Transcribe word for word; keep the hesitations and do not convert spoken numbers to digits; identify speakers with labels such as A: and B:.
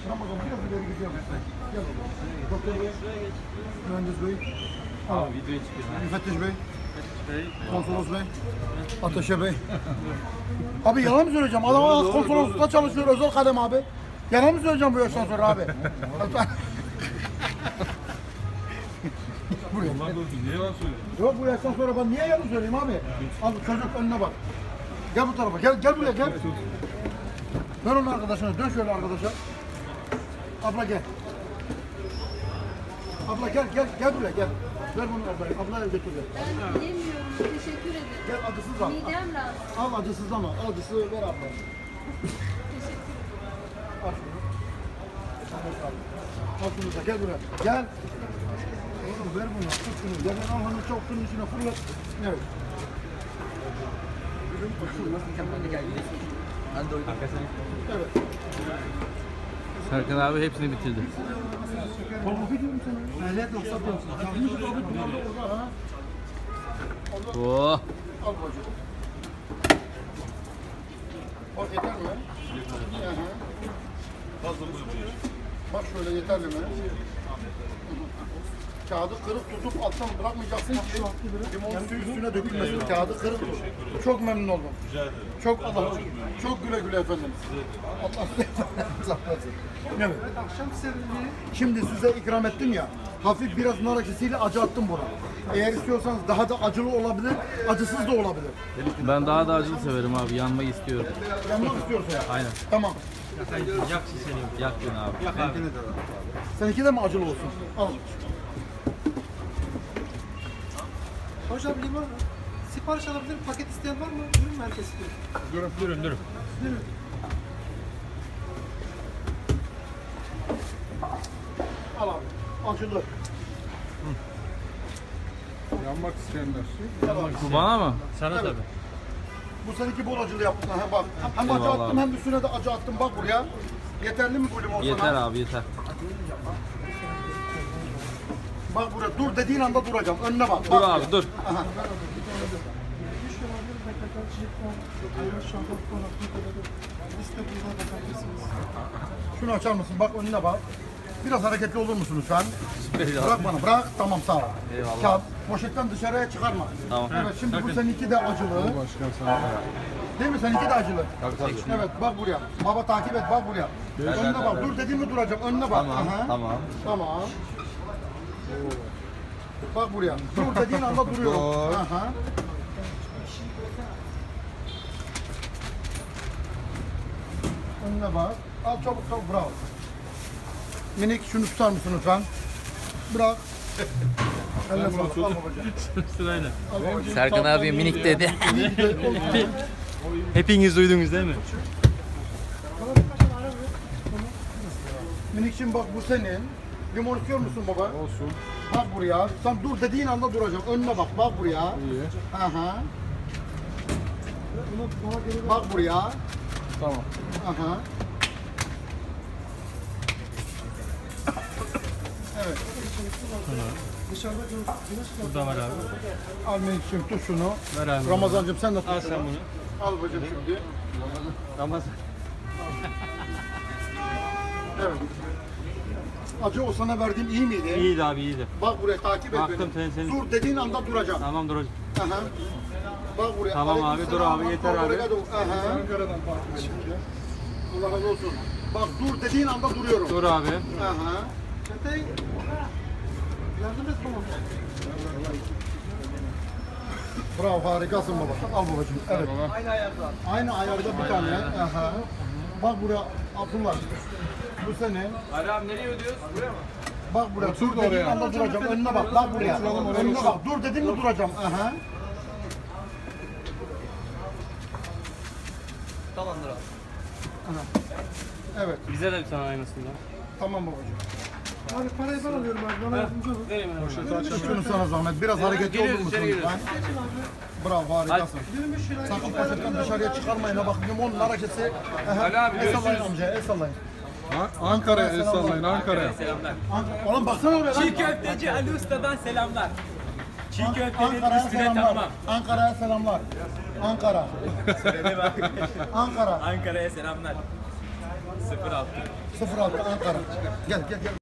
A: Ramazan biraz ileri gidiyor. Gel. Doktor Bey. Mühendis Bey.
B: Abi videoya çıkıyor.
A: Müfettiş Bey. Konsolos Bey. Ateşe Bey. Abi yalan mı söyleyeceğim? Adam az konsoloslukta çalışıyor özel kadem abi. Yalan mı söyleyeceğim bu yaştan sonra abi? Buraya.
B: Allah korusun niye yalan söylüyorsun?
A: Yok bu yaştan sonra ben niye yalan söyleyeyim abi? Al çocuk önüne bak. Gel bu tarafa. Gel gel buraya gel. Dön onun arkadaşına. Dön şöyle arkadaşa. Abla gel. Abla gel gel gel buraya gel. Ver bunu ablaya. Ablaya götür gel.
C: Ben yemiyorum. Teşekkür ederim.
A: Gel acısız al.
C: Midem rahatsız.
A: Al acısız ama acısı ver abla.
C: Teşekkür ederim.
A: Al şunu. Al şunu da gel buraya. Gel. Oğlum ver bunu. Tut şunu. Gel al onu çok şunun içine fırlat. Evet. Evet.
B: Serkan abi hepsini bitirdi.
A: Baba biliyorum seni. Ehliyet yoksa diyorsun. Çalmış abi bunlar da orada ha.
B: Oh.
A: Al bacım. Bak yeter mi? Hı hı.
B: Fazla koymuyor.
A: Bak şöyle yeterli mi? Kağıdı kırık tutup alttan bırakmayacaksın ki limon suyu üstüne dökülmesin. Kağıdı kırık tut. Çok memnun oldum.
B: Rica ederim.
A: Çok Allah çok güle güle efendim. Allah razı olsun. Evet.
D: Akşam serinliği.
A: Şimdi size ikram ettim ya. Hafif biraz nar acısıyla acı attım buna. Eğer istiyorsanız daha da acılı olabilir, acısız da olabilir.
B: Ben daha da acılı severim abi. Yanmak istiyorum.
A: Yanmak istiyorsa ya.
B: Aynen.
A: Tamam.
B: Yak seni. Yak beni abi. Yak abi.
A: Seninki de mi acılı olsun? Al.
D: Hocam limon sipariş alabilir, paket isteyen var mı? Ürün merkezi istiyor.
B: Durun durun durun.
A: Al abi. Acılı.
E: Yanmak isteyenler.
A: Al abi.
B: Bu bana mı? Sana
A: Evet. Bu seninki bol acılı yaptın ha bak. Hem acı
B: Eyvallah
A: attım
B: abi.
A: hem üstüne de acı attım bak buraya. Yeterli mi bu limon sana?
B: Yeter abi yeter.
A: Bak buraya dur dediğin anda duracağım. Önüne bak.
B: Dur
A: bak
B: abi
A: buraya.
B: dur.
A: Aha.
D: Liste burada bakabilirsiniz.
A: Şunu açar mısın? Bak önüne bak. Biraz hareketli olur musun lütfen?
B: Süper ya.
A: Bırak bana, bırak. Tamam, sağ ol.
B: Eyvallah.
A: Kağıt, poşetten dışarıya çıkarma.
B: Tamam.
A: Evet, şimdi bu seninki de acılı.
E: Başkan sana.
A: Değil mi? Seninki de acılı.
E: Tabii tabii.
A: Evet, bak buraya. Baba takip et, bak buraya. Önüne bak. Dur dediğimi duracağım. Önüne bak.
B: Tamam,
A: Aha.
B: tamam.
A: Tamam. Bak buraya. Dur dediğin anda duruyorum.
E: Dur.
A: Aha. Önüne bak. Al çabuk çabuk, bravo. Minik şunu tutar mısın lütfen? Bırak. Eline sağlık. Al babacığım.
B: Sırayla.
A: Al babacığım.
B: Serkan abi minik dedi.
A: Oldu.
B: Hepiniz duydunuz değil mi?
A: Minikçim bak bu senin. Limon istiyor musun baba?
E: Olsun.
A: Bak buraya. Sen dur dediğin anda duracağım. Önüne bak. Bak buraya.
E: İyi.
A: Aha. Bak buraya.
E: Tamam.
A: Aha. Evet.
D: Dışarıda güneş
B: Burada var abi.
A: Al Melik'ciğim tut şunu.
B: Ver abi.
A: Ramazancığım sen de tut
B: Al
A: şunu.
B: sen bunu.
A: Al bacım şimdi.
B: Ramazan.
A: Evet. Acı o sana verdiğim iyi miydi?
B: İyiydi abi iyiydi.
A: Bak buraya takip et
B: Baktım,
A: beni.
B: sen- sen-
A: Dur dediğin anda duracağım.
B: Tamam dur hocam.
A: Aha. Bak buraya.
B: Tamam abi,
A: Aleyküm
B: dur
A: selam.
B: abi, yeter abi.
A: Obrigado. Aha.
E: Ankara'dan takip edin.
A: Allah razı olsun. Bak dur dediğin anda duruyorum.
B: Dur abi.
A: Aha.
D: Çetey yardım et bana.
A: Bravo, harikasın baba. Al babacığım. Evet.
D: Aynı ayarda.
A: Aynı ayarda bir tane. Aha. Bak buraya Abdullah. Bu senin.
B: Ali abi nereye ödüyoruz? Buraya mı?
A: Bak buraya.
E: Otur
A: Dur
E: da
A: dediğin
E: oraya.
A: anda duracağım. Önüne bak. Bak buraya.
E: Oturalım oraya,
A: Önüne
E: otur.
A: bak. Dur dediğin mi duracağım. Aha.
B: Tamamdır abi.
A: Aha. Evet.
B: Bize de bir tane aynısından.
A: Tamam babacığım.
D: Abi parayı ben alıyorum abi. Bana yardımcı olun.
B: Vereyim ben.
A: Şunu sana zahmet. Biraz hareketli olur
B: geliyoruz,
A: musun
B: içeri
A: lütfen? Bravo, harikasın.
D: yirmi üç lira.
A: Sakın poşetten dışarıya çıkarmayın. Ha bak limonun hareketi.
B: Ali abi,
A: El sallayın
B: görüşürüz.
A: amca. El sallayın.
E: An- Ankara'ya el sallayın Ankara'ya.
A: An- Oğlum baksana oraya lan.
F: Çiğ köfteci Ali Usta'dan selamlar. Çiğ
A: An-
F: köftenin
A: Ankara'ya
F: üstüne
A: selamlar.
F: tamam.
B: sıfır altı.
A: sıfır altı Ankara. Gel gel gel.